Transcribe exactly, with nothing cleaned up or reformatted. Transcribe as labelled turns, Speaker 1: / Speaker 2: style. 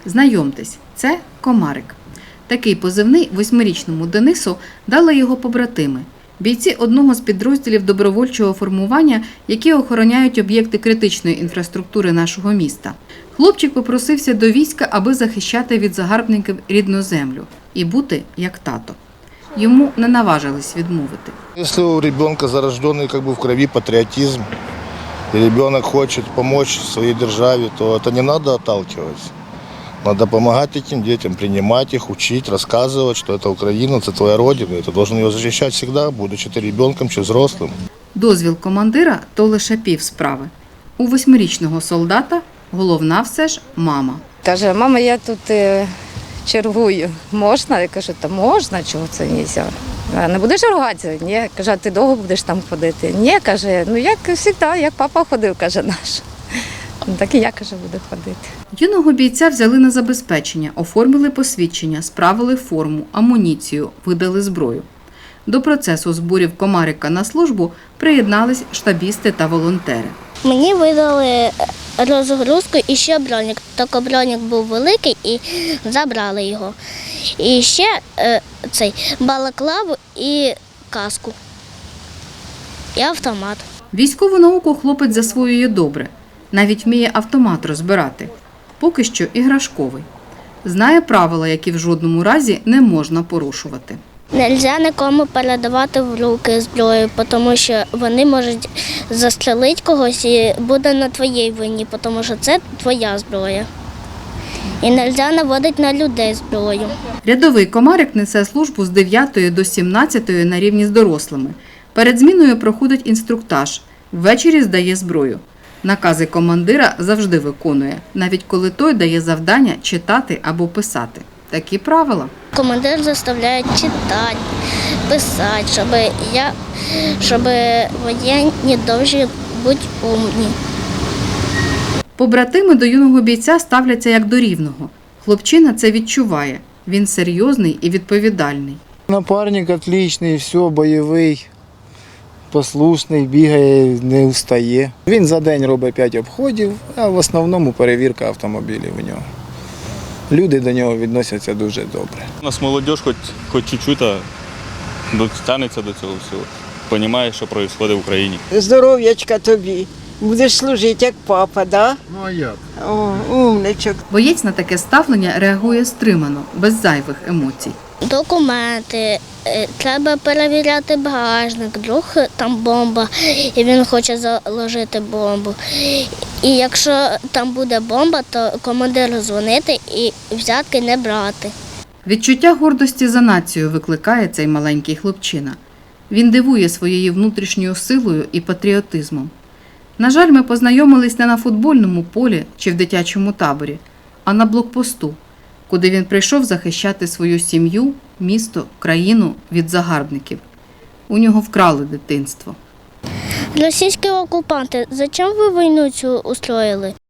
Speaker 1: Знайомтесь, це Комарик. Такий позивний восьмирічному Денису дали його побратими – бійці одного з підрозділів добровольчого формування, які охороняють об'єкти критичної інфраструктури нашого міста. Хлопчик попросився до війська, аби захищати від загарбників рідну землю і бути як тато. Йому не наважились відмовити.
Speaker 2: Якщо у ребенка зарождений как бы в крові патріотизм, і ребенок хоче допомогти своїй державі, то це не треба отталкиваться. Надо допомагати цим дітям, приймати їх, вчити, розказувати, що це Україна, це твоя родина, і ти повинен її захищати завжди, будучи ти ребенком чи взрослим.
Speaker 1: Дозвіл командира – то лише пів справи. У восьмирічного солдата головна все ж мама.
Speaker 3: Каже, мама, я тут е, чергую. Можна? Я кажу, та можна, чого це не можна? А не будеш ругатися? Ні. Каже, а ти довго будеш там ходити? Ні, каже, ну як завжди, як папа ходив, каже наш. Ну, так і я, каже, буду ходити.
Speaker 1: Юного бійця взяли на забезпечення, оформили посвідчення, справили форму, амуніцію, видали зброю. До процесу зборів Комарика на службу приєднались штабісти та волонтери.
Speaker 4: Мені видали розгрузку і ще бронік. Тільки бронік був великий і забрали його. І ще е, цей балаклаву і каску. І автомат.
Speaker 1: Військову науку хлопець засвоює добре. Навіть вміє автомат розбирати. Поки що іграшковий. Знає правила, які в жодному разі не можна порушувати.
Speaker 4: Нельзя нікому передавати в руки зброю, тому що вони можуть застрелити когось і буде на твоїй вині, тому що це твоя зброя. І нельзя наводити на людей зброю.
Speaker 1: Рядовий Комарик несе службу з дев'ятої до сімнадцятої на рівні з дорослими. Перед зміною проходить інструктаж. Ввечері здає зброю. Накази командира завжди виконує, навіть коли той дає завдання читати або писати. Такі правила.
Speaker 4: Командир заставляє читати, писати, щоб, я, щоб воєнні довжі бути умні.
Speaker 1: Побратими до юного бійця ставляться як до рівного. Хлопчина це відчуває. Він серйозний і відповідальний.
Speaker 5: Напарник отличний, все, бойовий, послушний, бігає, не устає. Він за день робить п'ять обходів, а в основному перевірка автомобілів у нього. Люди до нього відносяться дуже добре.
Speaker 6: У нас молодь хоч, хоч чуть-чуть тягнеться до цього всього. Розуміє, що відбувається в Україні.
Speaker 7: Здоров'ячка тобі. Будеш служити як папа, да?
Speaker 2: Ну а як?
Speaker 7: О, умничок.
Speaker 1: Боєць на таке ставлення реагує стримано, без зайвих емоцій.
Speaker 4: Документи, е, треба перевіряти багажник, вдруг там бомба, і він хоче заложити бомбу. І якщо там буде бомба, то командиру дзвонити і взятки не брати.
Speaker 1: Відчуття гордості за націю викликає цей маленький хлопчина. Він дивує своєю внутрішньою силою і патріотизмом. На жаль, ми познайомились не на футбольному полі чи в дитячому таборі, а на блокпосту, куди він прийшов захищати свою сім'ю, місто, країну від загарбників. У нього вкрали дитинство.
Speaker 4: Російські окупанти, зачем ви війну цю устроїли?